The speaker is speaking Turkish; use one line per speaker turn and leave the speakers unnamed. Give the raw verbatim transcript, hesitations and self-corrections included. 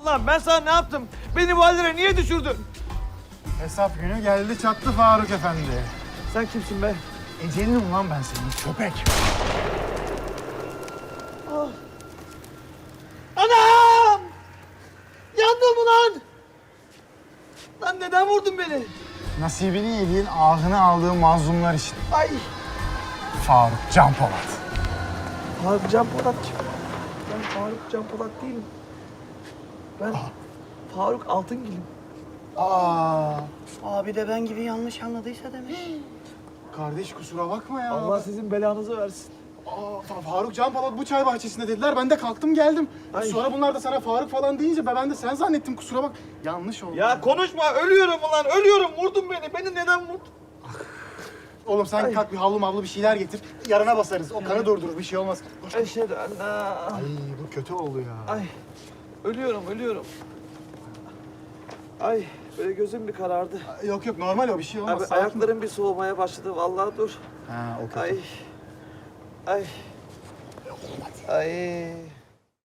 Lan ben sana ne yaptım? Beni bu hallere niye düşürdün?
Hesap günü geldi çattı Faruk Efendi.
Sen kimsin be?
Ecelinim lan ben senin köpek.
Anam! Yandım ulan! Lan neden vurdun beni?
Nasibini yediğin, ahını aldığın mazlumlar için.
Ay!
Faruk Can Polat.
Faruk Can Polat kim? Ben Faruk Can Polat değilim. Ben Faruk Altıngil'im.
Aa,
Abi de ben gibi yanlış anladıysa demek.
kardeş kusura bakma ya.
Allah sizin belanızı versin.
Aa, Fa- Faruk Can Polat bu çay bahçesinde dediler. Ben de kalktım geldim.
Ay.
Sonra bunlar da sana Faruk falan deyince ben de sen zannettim, kusura bak. Yanlış oldu.
Ya konuşma, ölüyorum ulan, ölüyorum. Vurdun beni. Beni neden vurdun?
Oğlum sen
Ay.
kalk bir havlu mavlu bir şeyler getir. Yarına basarız. O kanı durdurur, bir şey olmaz. Koş.
Eşhedü en la...
Ay bu kötü oldu ya.
Ay, ölüyorum, ölüyorum. Ay, böyle gözüm bir karardı.
Yok yok normal o, bir şey olmaz.
Abi
sakin ol.
ayaklarım bir soğumaya başladı. Vallahi dur.
Ha o kötü.
Ay. Ay. Ay.